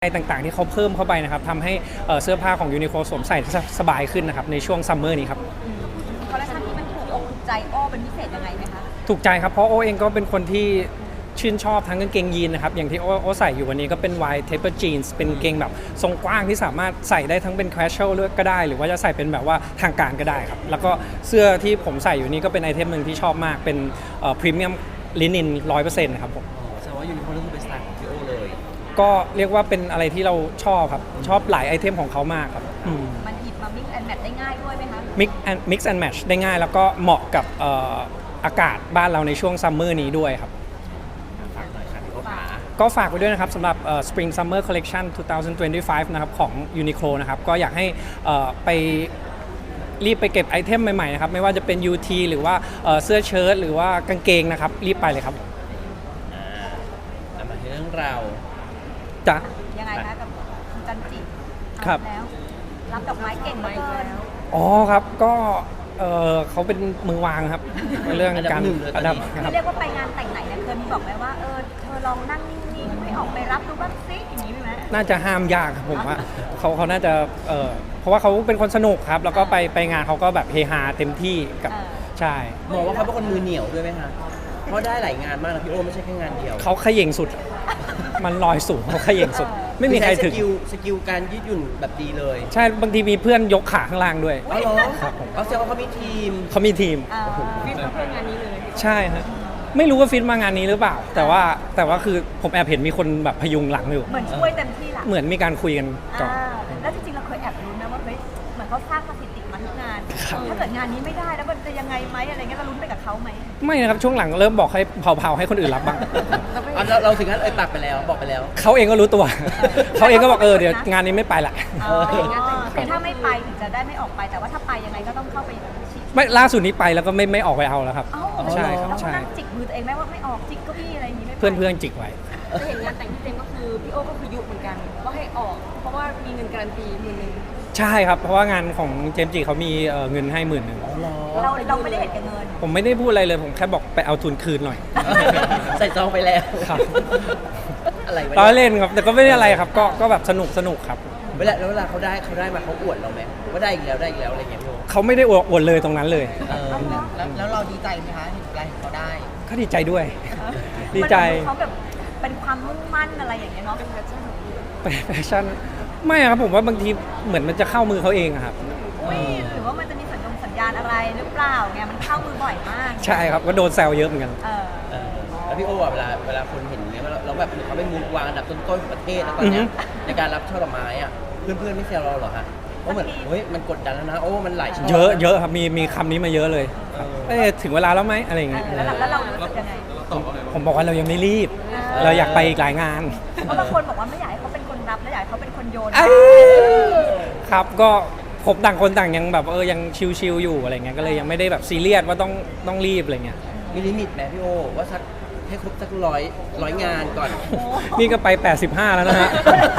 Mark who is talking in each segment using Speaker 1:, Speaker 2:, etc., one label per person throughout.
Speaker 1: อะไรต่างๆที่เขาเพิ่มเข้าไปนะครับทำให้เสื้อผ้าของยูนิโคลสวมใส่สบายขึ้นนะครับในช่วงซัมเมอร์นี้ครับ
Speaker 2: คอลเลคชันที่มันถูกอกถูกใจโอ้เป็นพิเศษยังไงไหมคะ
Speaker 1: ถูกใจครับเพราะโอเองก็เป็นคนที่ชื่นชอบทั้งกางเกงยีนนะครับอย่างที่โอใส่อยู่วันนี้ก็เป็น wide taper jeans เป็นกางเกงแบบทรงกว้างที่สามารถใส่ได้ทั้งเป็น casual ก็ได้หรือว่าจะใส่เป็นแบบว่าทางการก็ได้ครับแล้วก็เสื้อที่ผมใส่อยู่นี้ก็เป็นไอเทมหนึ่งที่ชอบมากเป็นพรีเมียมลินิน 100% ครับผม
Speaker 3: แสดงว่ายูนิโคลก็คือเป็นสไตล์ของพี่โอเลย
Speaker 1: ก็เรียกว่าเป็นอะไรที่เราชอบครับชอบหลายไอเทมของเขามากครับ
Speaker 2: มันหยิบมา mix and match ได้ง่ายด้วยไหมคะ
Speaker 1: mix and match ได้ง่ายแล้วก็เหมาะกับอากาศบ้านเราในช่วงซัมเมอร์นี้ด้วยครับ
Speaker 3: ฝากหน่อยครับพี่โอขา
Speaker 1: ก็ฝากไว้ด้วยนะครับสำหรับ Spring Summer Collection 2025 นะครับของ Uniqlo นะครับก็อยากให้ไปรีบไปเก็บไอเทมใหม่ๆนะครับไม่ว่าจะเป็น UT หรือว่าเสื้อเชิ้ตหรือว่ากางเกงนะครับรีบไปเลยครับ
Speaker 3: มาที่เรื่องราว
Speaker 1: จ้ะ
Speaker 2: ยังไงคะกับคุณจันจิ
Speaker 1: ครับ
Speaker 2: แล้วรับดอกไม้เก่งเหลือเกิน
Speaker 1: อ๋อครับก็เขาเป็นมือวางครับในเรื่องการ
Speaker 3: อันดับ
Speaker 2: คือเรียกว่าไปงานแต่งไหนเนี่ยเคยมีบอกไหมว่าเธอลองนั่งนิ่งๆไม่ออกไปรับดูบ้างซิอย่างนี้ไหม
Speaker 1: น่าจะห้ามยากครับผมว่าเขาน่าจะเพราะว่าเขาเป็นคนสนุกครับแล้วก็ไปงานเขาก็แบบเฮฮาเต็มที่กับใช่
Speaker 3: มองว่าเขาเป็นคนมือเหนียวด้วยไหมคะเพราะได้หลายงานมากนะพี่โอไม่ใช่แค่งานเดียว
Speaker 1: เขาเขย่งสุดมันลอยสูงเขาเขย่งสุดไม่มีใครถึง
Speaker 3: สกิลการยืดหยุ่นแบบดีเลย
Speaker 1: ใช่บางทีมีเพื่อนยกขาข้างล่างด้วย
Speaker 3: อ๋อเหรอเอาแสดงว่าเขามีทีม
Speaker 2: ฟิตเพื่องานนี้เลย
Speaker 1: ใช่ฮะไม่รู้ว่าฟิตมางานนี้หรือเปล่าแต่ว่าคือผมแอบเห็นมีคนแบบพยุงหลังอยู่
Speaker 2: เหมือนช่วยเต็มที่หลัง
Speaker 1: เหมือนมีการคุยกันก่อน
Speaker 2: แล้วจริงๆเราเคยแอบรู้นะว่าเฮ้ยเหมือนเขาสร้างสถิติมาทุกงานถ้าเกิดงานนี้ไม่ได้แล้วมันจะยังไงไหมอะไรเงี้ยเราลุ้นไปกับเขาไหม
Speaker 1: ไม่นะครับช่วงหลังเริ่มบอกให้เผาๆให้คนอื่นรับบ้าง
Speaker 3: เราถึงขั้นปากไปแล้วบอกไปแล้ว
Speaker 1: เขาเองก็รู้ตัวเขาเองก็บอกเดี๋ยวงานนี้ไม่ไปละ
Speaker 2: คือถ้าไม่ไปถึงจะได้ไม่ออกไปแต่ว่าถ้าไปยังไงก็ต้องเข้าไป
Speaker 1: ไม่ล่าสุดนี้ไปแล้วก็ไม่ออกไปเอาแล้วครับใช่ครับใช่
Speaker 2: นั่งจิกมือตัวเองไหมว่าไม่ออกจิกก็พี่อะไรอย่างนี้
Speaker 1: เพื่อนจิกไว้
Speaker 4: จะเห็นงานแต่งที่เต็มก็คือพี่โอก็คือยุเหมือนกันว่าให้ออกเพราะว่ามีเงินการันตี10,000
Speaker 1: ใช่ครับเพราะว่างานของเจมส์จิเขามีเงินให้10,000
Speaker 2: เราไม่ได้เห็นกับเงิน
Speaker 1: ผมไม่ได้พูดอะไรเลยผมแค่บอกไปเอาทุนคืนหน่อย
Speaker 3: ใส่ซองไปแล้ว
Speaker 1: ครับ
Speaker 3: อะไร
Speaker 1: ล้อเล่นครับแต่ก็ไม่ได้อะไรครับก็แบบสนุกครับ
Speaker 3: เวลาเขาได้มาเขาอวดเราไหมว่าได้อีกแล้วอะไรเงี้ยพี่
Speaker 1: เขาไม่ได้อวดเลยตรงนั้นเลย
Speaker 3: แล้วเราดีใจไหมคะเห็นอะไรเขาได้
Speaker 1: ก็ดีใจด้วยดีใจ
Speaker 2: เขาแบบเป็นความมุ่งมั่นอะไรอย่างเงี้ยเนาะเป็นแ
Speaker 1: ฟชั่นไม่ครับผมว่าบางทีเหมือนมันจะเข้ามือเขาเองครับ
Speaker 2: หรือว่ามันจะมีสัญญาณอะไรหรือเปล่าไงมันเข้ามือบ่อยมาก
Speaker 1: ใช่ครับก็โดนแซวเยอะเหมือนกัน
Speaker 3: แล้วพี่โอ้เวลาคนเห็นเงี้ยเราแบบเขาเป็นมือวางอันดับต้นๆของประเทศแล้วตอนเนี้ยในการรับช่อดอกไม้อ่ะเพื่อนไม่แซวเราหรอฮะเพราะเหมือนเฮ้ยมันกดดันแล้วนะโอ้มันหลาย
Speaker 1: เยอะครับมีคำนี้มาเยอะเลยถึงเวลาแล้วไหมอะไรอย่างเงี้ย
Speaker 2: แล้วเรารู้สึกยังไง
Speaker 1: ผมบอกว่าเรายังไม่รีบเราอยากไปอีกหลายงาน
Speaker 2: เพราะบางคนบอกว่าไม่อยากให้เขาเป็นคนรับและอยากให้เขาเป็นคนโยน
Speaker 1: ครับก็ผมต่างคนต่างยังแบบยังชิลๆอยู่อะไรเงี้ยก็เลยยังไม่ได้แบบซีเรียสว่าต้องรีบอะไรเงี้ย
Speaker 3: มีลิมิตไหมพี่โอว่าสักให้ครบสักร้อยงานก่อน
Speaker 1: นี่ก็ไป85แล้วนะฮะ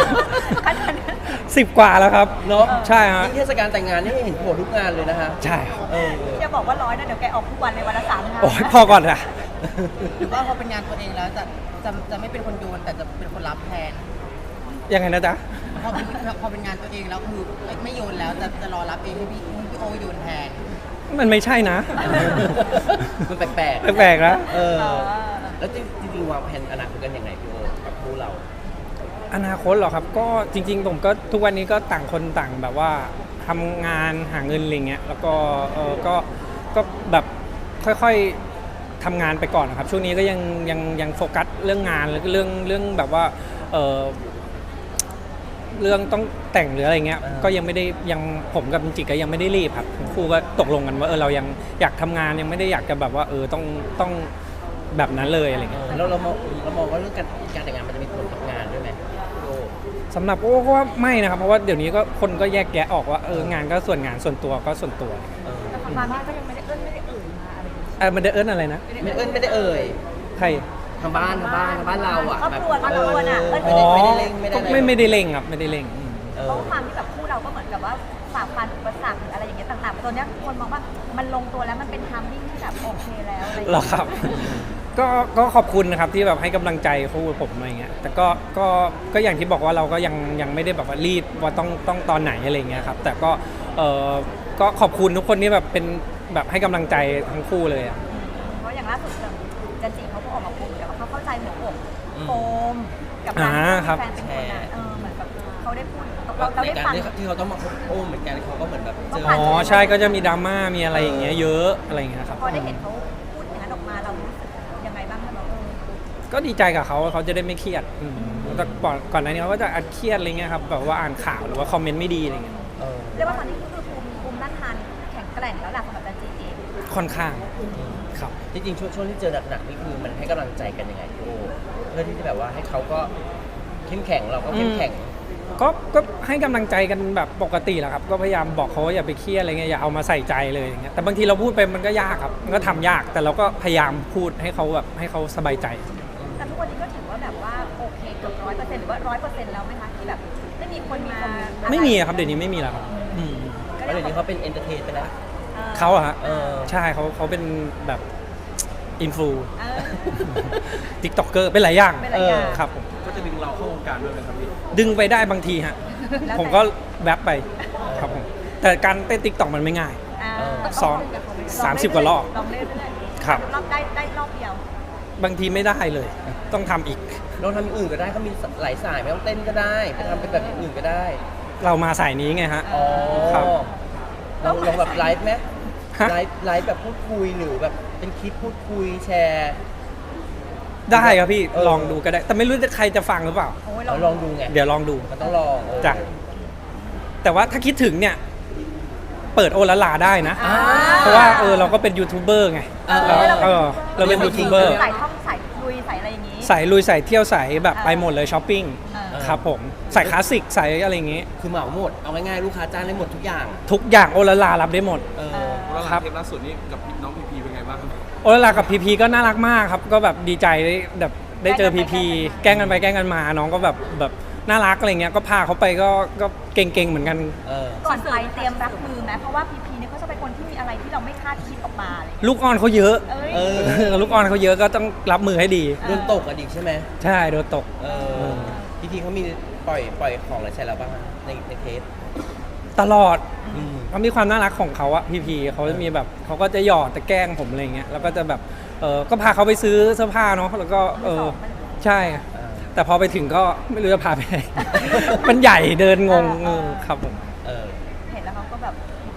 Speaker 1: 10 กว่าแล้วครับ
Speaker 3: เนาะ
Speaker 1: ใช่ฮะ
Speaker 3: เทศกาลแต่งงานนี่เห็นโผล่ทุกงานเลยนะฮะ
Speaker 1: ใช่
Speaker 2: จะบอกว่า100นะเดี๋ยวแกออกทุกวันในวันละ3 งาน
Speaker 1: โอ้ยพอก่อนนะ
Speaker 4: หรือว่าพอเป็นงานตัวเองแล้วจะไม่เป็นคนโยนแต่จะเป็นคนรับแทน
Speaker 1: ยังไงนะจ๊ะ
Speaker 4: พอเป็นงานตัวเองแล้วคือไม่โยนแล้วจะรอรับเองให้พี่โอโยนแทน
Speaker 1: มันไม่ใช่นะ
Speaker 3: มันแปลก
Speaker 1: ๆนะ
Speaker 3: แล้วจริงๆวางแผนอนาคตกันยังไงพี่โอกับคู่เรา
Speaker 1: อนาคตเหรอครับก็จริงๆผมก็ทุกวันนี้ก็ต่างคนต่างแบบว่าทำงานหาเงินอะไรเงี้ยแล้วก็แบบค่อยๆทำงานไปก่อนนะครับช่วงนี้ก็ยังโฟกัสเรื่องงานแล้วก็เรื่องแบบว่าเรื่องต้องแต่งหรืออะไรเงี้ยก็ยังไม่ได้ผมกับจิกก็ยังไม่ได้รีบครับครูก็ตกลงกันว่าเรายังอยากทำงานยังไม่ได้อยากจะแบบว่าต้องแบบนั้นเลยอะไรเงี้ย
Speaker 3: เรามองว่าเรื่องการแต่งงานมันจะมีผลกับงานด้วยไหม
Speaker 1: สำหรับโอ้ก็ว่าไม่นะครับเพราะว่าเดี๋ยวนี้ก็คนก็แยกแยะออกว่างานก็ส่วนงานส่วนตัวก็ส่วนตัว
Speaker 2: แต่ทางบ้านก็ยังไม่ได้เอิ้นมาอะไร
Speaker 1: มันได้เอิ้นอะไรนะ
Speaker 3: ไม่ได้เอ่ย
Speaker 1: ใคร
Speaker 3: ทางบ้านเราอ่ะ
Speaker 2: ครอบครัวน่ะ
Speaker 3: ไม่ได้เล่ง
Speaker 1: ไม่ได้เล่งครับไม่ได้เล่ง
Speaker 2: เพราะความที่แบบคู่เราก็เหมือนกับว่าฝ่าฟันอุปสรรคอะไรอย่างเงี้ยต่างๆตอนนี้คนมองว่ามันลงตัวแล้วมันเป็นไทมิ่งที่แบบโอเคแล้วอะไรอย่างเงี้ย
Speaker 1: ก็ขอบคุณนะครับที่แบบให้กำลังใจคู่ผมอะไรเงี้ยแต่ก็อย่างที่บอกว่าเราก็ยังไม่ได้แบบว่ารีบว่าต้องตอนไหนอะไรเงี้ยครับแต่ก็ขอบคุณทุกคนที่แบบเป็นแบบให้กำลังใจทั้งคู่เลยอะ
Speaker 2: เพราะอย่างล่าสุดจันจิเขาก็ออกมาพูดเหมือนกันว่าเขาเข้าใจหัวอกโฟมกับ
Speaker 1: อ่า
Speaker 2: การ
Speaker 1: ครับ
Speaker 2: ที่แฟนเป็นคนอะเหมือนแบบเขาได้พูดเรา
Speaker 3: ใน
Speaker 2: ได้
Speaker 3: การ
Speaker 2: ฟัง
Speaker 3: ที่เขาต้องมาคบโอ้เหมือนกันเขาก็เหมือนแบบเจอ
Speaker 1: อ๋อใช่ก็จะมีดราม่ามีอะไรอย่างเงี้ยเยอะอะไรอย่างเงี้ยครับ
Speaker 2: พอได้เห็นเขาพูดอย่างนั้นออกมาเรารู้สึกยังไงบ้างคะเรา
Speaker 1: ก็ดีใจกับเขาเขาจะได้ไม่เครียดแต่ก่อนหน้านี้เขาก็จะอัดเครียดอะไรเงี้ยครับแบบว่าอ่านข่าวหรือว่าคอมเมนต์ไม่ดีอะไรเงี้ย
Speaker 3: เออ
Speaker 2: เรียกว่าตอนนี้ก็คือภูมิต้านทานแข็งแกร่งแล้วแหละสำหรับจันจิเอง
Speaker 1: ค่อนข้างครับ
Speaker 3: จริงๆช่วงที่เจอหนักๆนี่คือมันให้กำลังใจกันยังไงพี่โอเพื่อที่จะแบบว่าให้เขาก็เข้มแข็งเราก็เข้มแข็ง
Speaker 1: ก็ให้กำลังใจกันแบบปกติแหละครับก็พยายามบอกเขาว่าอย่าไปเครียดอะไรเงี้ยอย่าเอามาใส่ใจเลยอย่างเงี้ยแต่บางทีเราพูดไปมันก็ยากครับมันก็ทำยากแต่เราก็พยายามพูดให้เขาแบบให้เขาสบายใจ
Speaker 2: แต่ทุกวันนี้ก็ถือว่าแบบว่าโอเคเกือบ100%หรือว่า100%แล้วไหมคะที่แบบไม่มีคนมา
Speaker 1: ไม่มีอะครับเดี๋ยวนี้ไม่มีแล้วครับอืม
Speaker 3: เพราะเดี๋ยวนี้เขาเป็นเอนเตอร์เทนไปแล้ว
Speaker 1: เขาอะฮะ
Speaker 3: เออ
Speaker 1: ใช่เขาเป็นแบบอินฟลู
Speaker 2: เออ
Speaker 1: ติ๊กต็อกเกอร์เป็นหลายอย่าง
Speaker 2: เป็นหลายอย่าง
Speaker 1: ครับผม
Speaker 5: ก็จะดึงเราเข้าวงการด้วยไหมครับพี่
Speaker 1: ดึงไปได้บางทีฮะ
Speaker 2: แล้วแต่
Speaker 1: ผมก็แวบไปครับผมแต่การเต้นติ๊กต็อกมันไม่ง่าย ซ้อม30 กว่ารอบ
Speaker 2: ลองเล่นด้วย
Speaker 1: ครับ
Speaker 2: รอบได้รอบเดียว
Speaker 1: บางทีไม่ได้เลย ต้องทำอีก
Speaker 3: ลองทำอย่างอื่นก็ได้เขามีหลายสายไม่ต้องเต้นก็ได้ไปทำเป็นแบบอย่างอื่นก็ได้
Speaker 1: เรามาสายนี้ไงฮะ
Speaker 3: อ๋อ
Speaker 1: ครับ
Speaker 3: ลองแบบไลฟ์ไหม
Speaker 1: ฮะ
Speaker 3: ไลฟ์แบบพูดคุยหรือแบบเป็นคลิปพูดคุยแชร์
Speaker 1: ได้ครับพี่
Speaker 3: เออ
Speaker 1: ลองดูก็ได้ แต่ไม่รู้จะใครจะฟังหรือเปล่า
Speaker 2: โอ้ย
Speaker 3: เราลองดูไง
Speaker 1: เดี๋ยวลองดู
Speaker 3: มันต้องลอง
Speaker 1: จ้ะแต่ว่าถ้าคิดถึงเนี่ย เปิดโอละลาได้นะ
Speaker 3: อ่า
Speaker 1: เพราะว่าเราก็เป็นยูทูบเบอร์ไง เราเป็นยูทูบเบอร์
Speaker 2: สายท่องสายลุยสายอะไรอย่างนี้
Speaker 1: สายลุยสายเที่ยวสายแบบไปหมดเลยช้อปปิ้ง
Speaker 2: เออ
Speaker 1: ครับผมสายคลาสสิกสายอะไรอย่างงี้
Speaker 3: คือเหมาหมด เอาง่ายๆลูกค้าจ้างได้หมดทุกอย่าง
Speaker 1: ทุกอย่างโอละลารับได้หมด
Speaker 3: เออ
Speaker 5: แล้ว
Speaker 1: ครับ
Speaker 5: เทปล่าสุดนี้กับน้องพีพีเป็นไงบ้างครับ
Speaker 1: โอละลากับพีพีก็น่ารักมากครับ ก็แบบดีใจได้เจอพีพีแกล้งกันไปแกล้งกันมาน้องก็แบบน่ารักอะไรเงี้ยก็พาเขาไปก็เก่งๆเหมือนกัน
Speaker 3: เออ
Speaker 2: ก่อนไปเตรียมรับมือไหมเพราะว่าพีพีเนี่ยเขาจะเป็นคนที่มีอะไรที่เราไม่คาดคิดออกมาเลย
Speaker 1: ลูกอ่อนเขาเยอะ
Speaker 2: เอ้ย
Speaker 3: เออ
Speaker 1: ลูกอ่อนเขาเยอะก็ต้องรับมือให้ดี
Speaker 3: โดนตกอะดิใช่ไหม
Speaker 1: ใช่โดนตก
Speaker 3: เออพี่ทีเขามีปล่อยของอะไรใส่เราบ้างอะในเทป
Speaker 1: ตลอด
Speaker 3: อืม
Speaker 1: เขามีความน่ารักของเขาอะพีพีเขาจะมีแบบเขาก็จะหยอดจะแกล้งผมอะไรเงี้ยแล้วก็จะแบบก็พาเขาไปซื้อเสื้อผ้าเนาะแล้วก็ใช่
Speaker 3: อ่า
Speaker 1: แต่พอไปถึงก็ไม่รู้จะพาไปไหน มันใหญ่เดินงงครับผม
Speaker 3: เออ
Speaker 2: เห็นแล้วเขาก็แบบ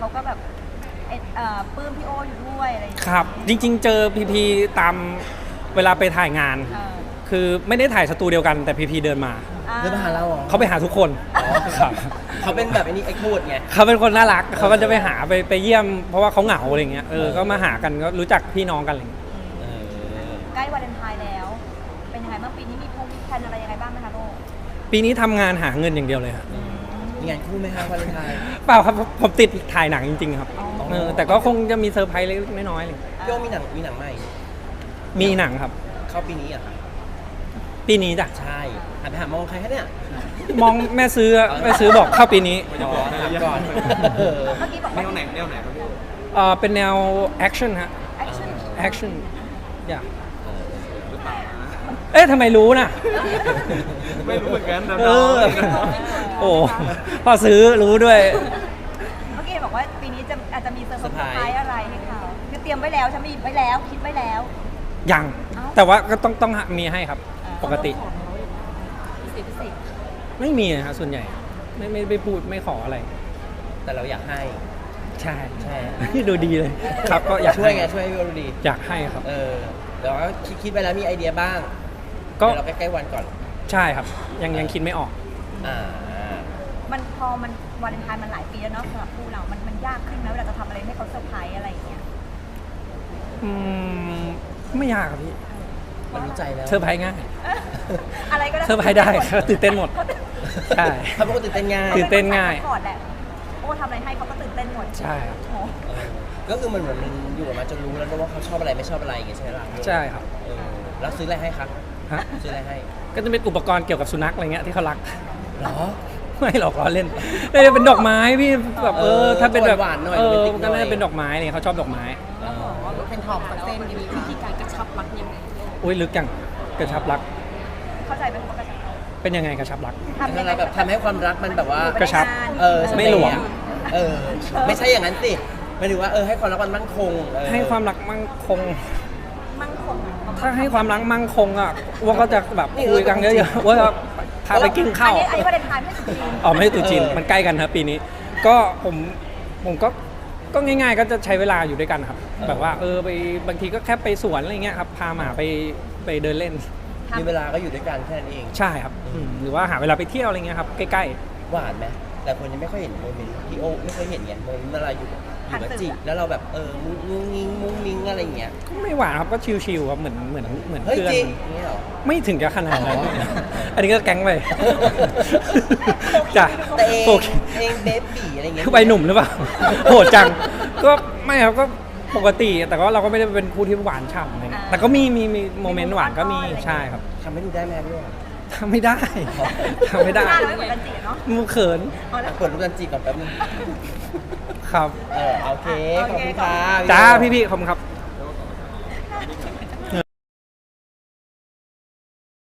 Speaker 2: ปลื้มพี่โออยู่ด้วยอะไรอย่างเงี้ย
Speaker 1: ครับ จริง ๆ เจอพีพีตามเวลาไปถ่ายงาน
Speaker 2: เออ
Speaker 1: คือไม่ได้ถ่ายสตูเดียวกันแต่พีพีเดินมา
Speaker 3: เดินมาหาเราเหรอ
Speaker 1: เขาไปหาทุกคน
Speaker 3: อ๋อ
Speaker 1: ครับ
Speaker 3: เขาเป็นแบบไอ้นี่ไอ้โคตรไง
Speaker 1: เขาเป็นคนน่ารักเขาก็จะไปหาไปเยี่ยม เพราะว่าเขาเหงาอะไรเงี้ยก็มาหากันก็รู้จักพี่น้องกันอะไรเงี้ย
Speaker 3: เออ
Speaker 2: ใกล้วาเลนไทน์แล้ว เป็นยังไงบ้างปีนี้มีแพลนอะไรยังไงบ้างไหมคะโลก
Speaker 1: ปีนี้ทำงานหาเงินอย่างเดียวเลยครับ
Speaker 3: มีงานคู่ไหมคะวาเลนไทน์
Speaker 1: เปล่าครับผมติดถ่ายหนังจริงๆครับ
Speaker 2: อ๋อ
Speaker 1: แต่ก็คงจะมีเซอร์ไพรส์เล็กๆน้อยๆเลย
Speaker 3: พี่โอมีหนังใหม่
Speaker 1: มีหนังครับ
Speaker 3: เข้าปีนี้เหรอะค่ะ
Speaker 1: ปีนี้จ้ะ
Speaker 3: ใช่หันไปหามองใครคะเนี่ย
Speaker 1: มองแม่ซื้อบอกเข้าปีนี้
Speaker 5: ไม่จะบอกนะ
Speaker 3: ถามก่อน
Speaker 5: แ
Speaker 3: เออ
Speaker 2: เมื่อกี้บอก
Speaker 5: น
Speaker 2: ว่าว
Speaker 5: ไหนครับพี่
Speaker 1: เป็นแนวแอคชั่นฮะ
Speaker 2: แอคชั่น
Speaker 1: แอคชั่นอย่า
Speaker 5: หรือเปล่านะ
Speaker 1: เอ๊ะทำไมรู้น่ะ
Speaker 5: ไม่รู้เหมือนกันนะ
Speaker 1: เออ โอ้พอซื้อรู้ด้วย
Speaker 2: เมื่อกี้บอกว่าปีนี้อาจจะมีเซอร์ไพรส์อะไรให้เขาคือเตรียมไว้แล้วฉันมีไว้แล้วคิดไว้แล้ว
Speaker 1: ยัง
Speaker 2: เอ้า
Speaker 1: แต่ว่าก็ต้องมีให้ครับ ปกติ
Speaker 2: พิเศษ
Speaker 1: ไม่มีนะฮะส่วนใหญ่ ไม่พูดไม่ขออะไร
Speaker 3: แต่เราอยากให้
Speaker 1: ใช่
Speaker 3: ใช่
Speaker 1: ดูดีเลย ครับก็อยาก
Speaker 3: ช่วย
Speaker 1: ให้
Speaker 3: ไงช่วยให้พี่โอดูดี
Speaker 1: อยากให้ครับ
Speaker 3: เออเดี๋ยวคิดไปแล้วมีไอเดียบ้าง
Speaker 1: ก็
Speaker 3: เดี๋ยวเราใกล้ๆวันก่อน
Speaker 1: ใช่ครับ ยังคิดไม่ออก
Speaker 3: อ่า
Speaker 2: มันพอมันวาเลนไทน์มันหลายปีแล้วเนาะสำหรับคู่เรา มันยากขึ้นไหมเวลาจะทำอะไรให้เขาเซอร์ไพรส์อะไรอย่างเงี้ย
Speaker 1: อืมไม่ยากครับพี่
Speaker 3: มันรู้ใจแล้ว
Speaker 1: เซอร์ไพรส์ง่าย
Speaker 2: อะไรก็ได้
Speaker 1: เซอร์ไพรส์ได้เขาตื่นเต้นหมด ใช่
Speaker 3: เขาเป็นคนตื่นเต้นง่าย
Speaker 1: ตื่นเต้นง่าย
Speaker 2: ก่อนแหละโอ้ทำอะไรให้เขาก็ตื่นเต้นหมด
Speaker 1: ใช่ครับ
Speaker 2: โอ้
Speaker 3: เออก็คือมันเหมือนมันอยู่กับมันจนรู้แล้วนะว่าเขาชอบอะไรไม่ชอบอะไรอย่างเงี้ยใช่ไหมล่ะ
Speaker 1: ใช่ครับ
Speaker 3: เออแล้วซื้ออะไรให้ครับ
Speaker 1: ฮะ
Speaker 3: ซื้ออะไรให้
Speaker 1: ก็จะเป็นอุปกรณ์เกี่ยวกับสุนัขอะไรเงี้ยที่เขารัก
Speaker 3: หรอ
Speaker 1: ไม่หรอกล้อเล่นไม่ได้เป็นดอกไม้พี่แบบถ้าเป็นแบบ
Speaker 3: หวานๆหน่อย
Speaker 1: เออ
Speaker 3: โรแมนติกหน่อย
Speaker 1: ก็น่าจะเป็นดอกไม้อะไรเงี้ยเขาชอบดอกไม้
Speaker 3: เออ
Speaker 4: เป็นทอมกับเต้นมีวิธีการกระชับรักยังไง
Speaker 1: อุ้ยลึกอย่างกระชับรัก
Speaker 2: เข้าใจไหมว่ากระชับ
Speaker 1: เป็นยังไงกระชับรัก
Speaker 2: ทำ
Speaker 3: แล้
Speaker 2: ยั
Speaker 3: ว
Speaker 2: งไง
Speaker 3: เราแบบทำให้ความรักมันแบบว่า
Speaker 1: กระชับ ไม่หลวม
Speaker 3: เออไม่ใช่อย่างนั้นสิหมายถึงว่าให้ความรักมันมั่นคง
Speaker 1: ให้ความรักมั่งคง
Speaker 2: มั่งคง
Speaker 1: ถ้าให้ความรักมั่งคงอ่ะว่าก็จะแบบคุยกันเยอะๆว่าจะพาไปกินข้าว
Speaker 2: อันนี้ประเด็นทานไม่สุดจริง
Speaker 1: อ๋อไม่ใช่ตรุษจีนมันใกล้กันครับปีนี้ ก็ผมก็ง่ายๆ ก็จะใช้เวลาอยู่ด้วยกันครับ แบบว่าไปบางทีก็แค่ไปสวนอะไรเงี้ยครับพาหมาไปเดินเล่น
Speaker 3: มีเวลาก็อยู่ด้วยกันแค่นั้นเอง
Speaker 1: ใช่ครับหรือว่าหาเวลาไปเที่ยวอะไรเงี้ยครับใกล้
Speaker 3: หวานไหมแต่คนยังไม่ค่อยเห็นโมเมนต์พี่โอไม่เคยเห็นไงโมเมนต์เวลาอยู่กับจิแล้วเราแบบมุ้งมิ้งมุ้งมิ้งอะไรอย่างเงี้ย
Speaker 1: ๆก็ไม่หวานครับก็ชิลๆครับเหมือน
Speaker 3: เฮ้ย
Speaker 1: เพื่อน
Speaker 3: จริงอย่างเงี้ยเหรอ
Speaker 1: ไม่ถึงกับขนาดนั้น
Speaker 3: อ๋อ
Speaker 1: อันนี้ก็แก๊งไป จ้ะ
Speaker 3: แต่เอง
Speaker 1: โอเค
Speaker 3: เองเบบี้อะไรเงี้ย
Speaker 1: คือวัยหนุ่มหรือเปล่า โหดจัง ก็ไม่ครับก็ปกติ แต่ก็เราก็ไม่ได้เป็นคู่ที่หวานฉ่ำอะไรเงี้ยแต่ก็มีโมเมนต์หวานก็มีใช่ครับ
Speaker 3: ทำให้ดูได้ไหมพี่โอ
Speaker 1: ทำไม่ได้ทำไม่ได้
Speaker 2: หน้าเราไม่เหมือนกันจีเนาะ
Speaker 1: มูเขิน
Speaker 2: เอาละ
Speaker 3: เปิดรูปจันจีก่อนแป๊บนึง
Speaker 1: ครับ
Speaker 3: โอเคขอบคุณค่ะ
Speaker 1: จ้าพี่ๆขอบคุณครับ